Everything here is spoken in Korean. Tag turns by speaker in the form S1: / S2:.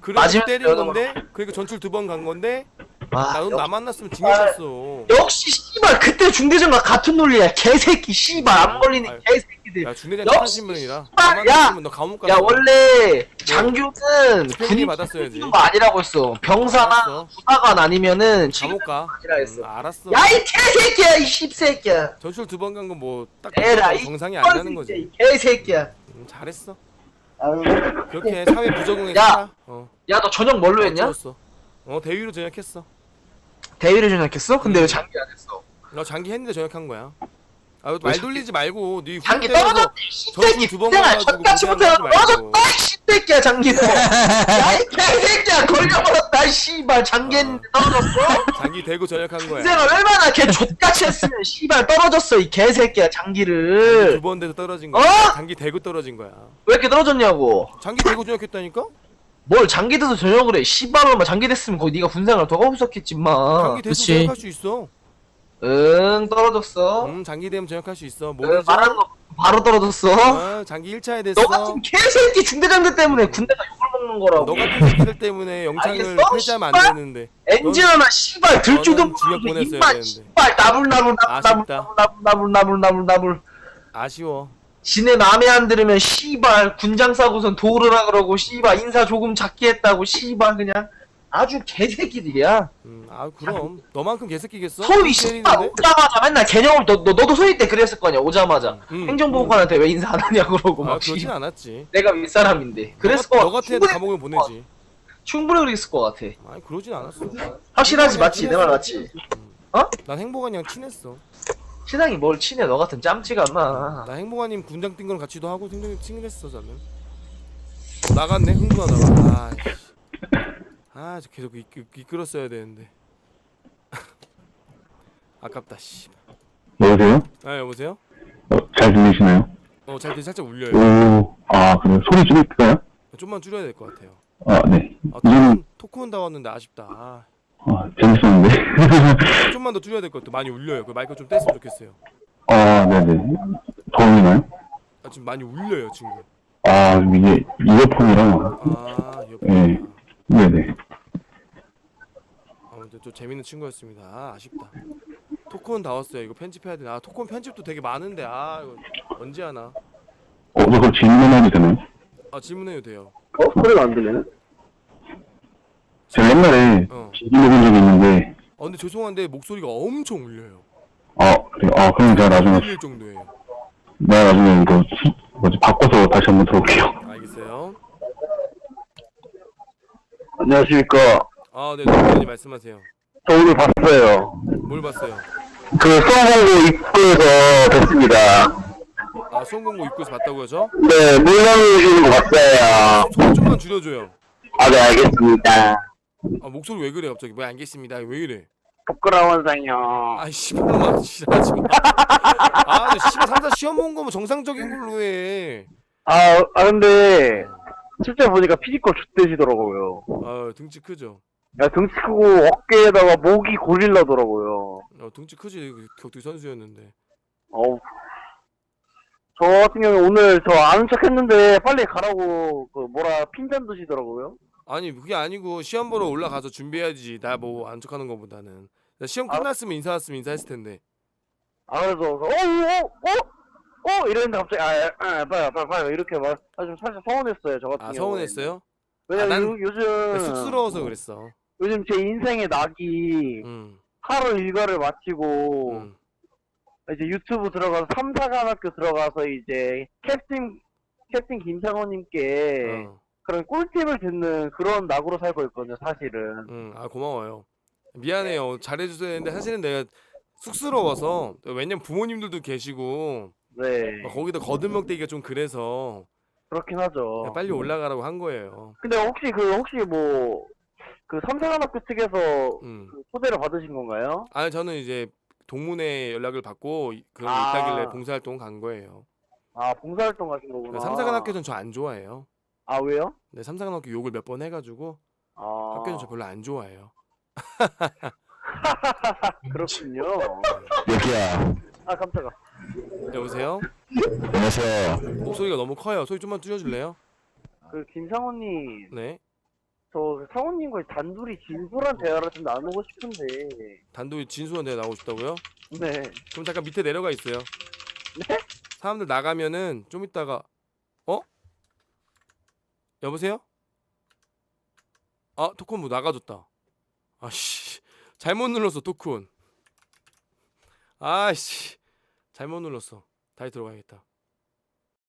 S1: 그래서
S2: 맞으면
S1: 때린 건데 그러니까 전출 2번 간 건데
S2: 아,
S1: 나 만났으면 징계쳤어.
S2: 역시 씨발 그때 중대장과 같은 논리야. 개새끼 씨발 안 걸리는
S1: 아유.
S2: 개새끼들.
S1: 야 중대장
S2: 역시
S1: 착하신 분이라
S2: 씨발,
S1: 나
S2: 야!
S1: 만났으면 너 감옥 갔어.
S2: 야 원래 장교는
S1: 집행유예
S2: 군인
S1: 받았어야지.
S2: 거 아니라고 했어. 병사나
S1: 알았어.
S2: 부사관 아니면은
S1: 감옥 가.
S2: 아니라 했어.
S1: 알았어.
S2: 야 이 개새끼야 이 씹새끼야.
S1: 전출 2번 간 건 뭐 딱
S2: 에라 이
S1: 정상이 아니라는 거지.
S2: 이 개새끼야.
S1: 잘했어.
S2: 아유.
S1: 그렇게 사회 부적응에
S2: 야!
S1: 살아.
S2: 야 너 저녁 뭘로 했냐?
S1: 찍었어. 대위로 전역했어.
S2: 대위를 전역했어? 근데 왜 장기 안 했어?
S1: 너 장기 했는데 전역한 거야. 말 돌리지 말고 네
S2: 장기
S1: 후배라서
S2: 떨어졌네 씹새끼.
S1: 두 번
S2: 내가
S1: 가가지고
S2: 첫까지부터
S1: 고생하지 말고.
S2: 떨어졌다 이 씹새끼야 장기는. 야이 개새끼야 걸려버렸다 이 씨발 장기 했는데 떨어졌어?
S1: 장기 대고 전역한 거야.
S2: 인생을 얼마나 걔 족같이 했으면 씨발 떨어졌어 이 개새끼야 장기를.
S1: 2번 돼서 떨어진 거야.
S2: 어?
S1: 장기 대고 떨어진 거야.
S2: 왜 이렇게 떨어졌냐고.
S1: 장기 대고 전역했다니까?
S2: 뭘 장기 돼서 전역을 해. 씨발로만 장기 됐으면 거기 네가 군생활 더 없었겠지 마.
S1: 장기 대고
S2: 그치.
S1: 전역할 수 있어.
S2: 응 떨어졌어.
S1: 장기 되면 전역할 수 있어.
S2: 응,
S1: 모르죠?
S2: 말하는 거 바로 떨어졌어.
S1: 장기 1차에 됐어.
S2: 너 같은 개새끼 중대장들 때문에 군대가 욕을 먹는 거라고.
S1: 너 같은 새끼들 때문에 영창을
S2: 알겠어?
S1: 폐지하면
S2: 씨발?
S1: 안 되는데.
S2: 엔진 하나 씨발 들줄도
S1: 너는 징역 보냈어야
S2: 입만
S1: 되는데.
S2: 씨발
S1: 아쉽다.
S2: 나불나불.
S1: 아쉬워.
S2: 지네 맘에 안 들으면 씨발 군장 싸고선 도우르라 그러고 씨발 인사 조금 작게 했다고 씨발 그냥 아주 개새끼들이야.
S1: 그럼 너만큼 개새끼겠어?
S2: 소위 씨발 오자마자 맨날 개념을 너도 소위 때 그랬을 거냐 오자마자 행정보고관한테 왜 인사 안 하냐 그러고 막
S1: 그러진
S2: 씨발
S1: 않았지.
S2: 내가 윗사람인데 그랬을 거
S1: 너 같은 애도 감옥에 보내지.
S2: 충분히 그랬을 것 같아.
S1: 아니 그러진 않았어.
S2: 확실하지 맞지 내 말 맞지?
S1: 난 행복한이랑 친했어.
S2: 신앙이 뭘 친해 너 같은 짬찌가 마.
S1: 나 행복한님 군장 뛴 건 같이도 하고 친했어 저는. 나갔네 흥분하다가. 저 계속 이끌었어야 되는데. 아깝다 씨.
S3: 여보세요?
S1: 여보세요?
S3: 잘 들리시나요?
S1: 잘 살짝 울려요.
S3: 그래요? 소리 줄일까요?
S1: 좀만 줄여야 될 것 같아요.
S3: 네.
S1: 토크온 다 왔는데 아쉽다.
S3: 재밌었는데.
S1: 좀만 더 줄여야 될 것 같아. 많이 울려요. 그 마이크 좀 뗐으면 좋겠어요.
S3: 네네. 더우나요?
S1: 지금 많이 울려요 지금.
S3: 이게 이어폰이랑.
S1: 옆에.
S3: 네네.
S1: 아무튼 좀 재밌는 친구였습니다. 아쉽다. 토크온 다 왔어요. 이거 편집해야 되나? 토크온 편집도 되게 많은데 이거 언제 하나?
S3: 저 그럼 질문해도 되나요?
S1: 질문해도 돼요.
S2: 소리가 안 들리네.
S3: 제가 옛날에 비밀해본 적이 있는데.
S1: 근데 죄송한데 목소리가 엄청 울려요.
S3: 그래요? 그럼 제가 나중에.
S1: 울릴 정도예요.
S3: 내가 나중에 이거 바꿔서 다시 한번 들어볼게요.
S1: 알겠어요.
S3: 안녕하십니까.
S1: 네, 누구든지 말씀하세요.
S3: 저 오늘 봤어요.
S1: 뭘 봤어요?
S3: 수험공고 입구에서 뵀습니다.
S1: 수험공고 입구에서 봤다고요, 저?
S3: 네, 물러오시는 거 봤어요.
S1: 소리 좀만 줄여줘요.
S3: 네, 알겠습니다.
S1: 목소리 왜 그래 갑자기? 뭐 알겠습니다. 왜 이래?
S3: 부끄러워서요.
S1: 씨발놈아, 지랄하지 마. 근데 씨발 상사 시험 본 거면 정상적인 걸로 해.
S3: 근데 실제 보니까 피지컬 X되시더라고요.
S1: 등치 크죠?
S3: 야, 등치 크고 어깨에다가 목이 고릴라더라고요.
S1: 등치 크지. 격투기 선수였는데.
S3: 저 같은 경우에 오늘 저 아는 척 했는데 빨리 가라고 핀잔 드시더라고요.
S1: 아니 그게 아니고 시험 보러 올라가서 준비해야지. 나 뭐 안 척하는 거보다는. 시험 끝났으면 인사 왔으면 인사했을 텐데.
S3: 그래서 이랬는데 갑자기 빨리 이렇게 막 좀 살짝 서운했어요. 저 같은 경우에.
S1: 서운했어요?
S3: 왜냐면 요즘
S1: 쑥스러워서 그랬어.
S3: 요즘 제 인생의 낙이 하루 일과를 마치고 이제 유튜브 들어가서 3사관학교 들어가서 이제 캡틴 김창호님께 그런 꿀팁을 듣는 그런 낙으로 살고 있거든요, 사실은.
S1: 고마워요. 미안해요. 잘해줘야 되는데 사실은 내가 쑥스러워서. 왜냐면 부모님들도 계시고.
S3: 네.
S1: 거기다 거들먹대기가 좀 그래서.
S3: 그렇긴 하죠.
S1: 빨리 올라가라고 한 거예요.
S3: 근데 혹시 그 3사관학교 측에서 그 초대를 받으신 건가요?
S1: 저는 이제 동문회 연락을 받고 그런 게 있다길래 봉사활동 간 거예요.
S3: 봉사활동 가신 거구나.
S1: 3사관학교는 저 안 좋아해요.
S3: 왜요?
S1: 네, 3사관학교 욕을 몇 번 해가지고 학교는 저 별로 안 좋아해요.
S3: 그렇군요.
S4: 여기야.
S3: 깜짝아.
S1: 여보세요?
S4: 안녕하세요.
S1: 목소리가 너무 커요. 소리 좀만 줄여줄래요?
S3: 김상호님.
S1: 네.
S3: 저 상호님과 단둘이 진솔한 대화를 좀 나누고 싶은데.
S1: 단독 진수한 데 나오고 싶다고요?
S3: 네.
S1: 그럼 잠깐 밑에 내려가 있어요.
S3: 네?
S1: 사람들 나가면은 좀 이따가 여보세요? 아 토큰 뭐 나가줬다. 아씨 잘못 눌렀어 토큰. 아씨 잘못 눌렀어. 다시 들어가야겠다.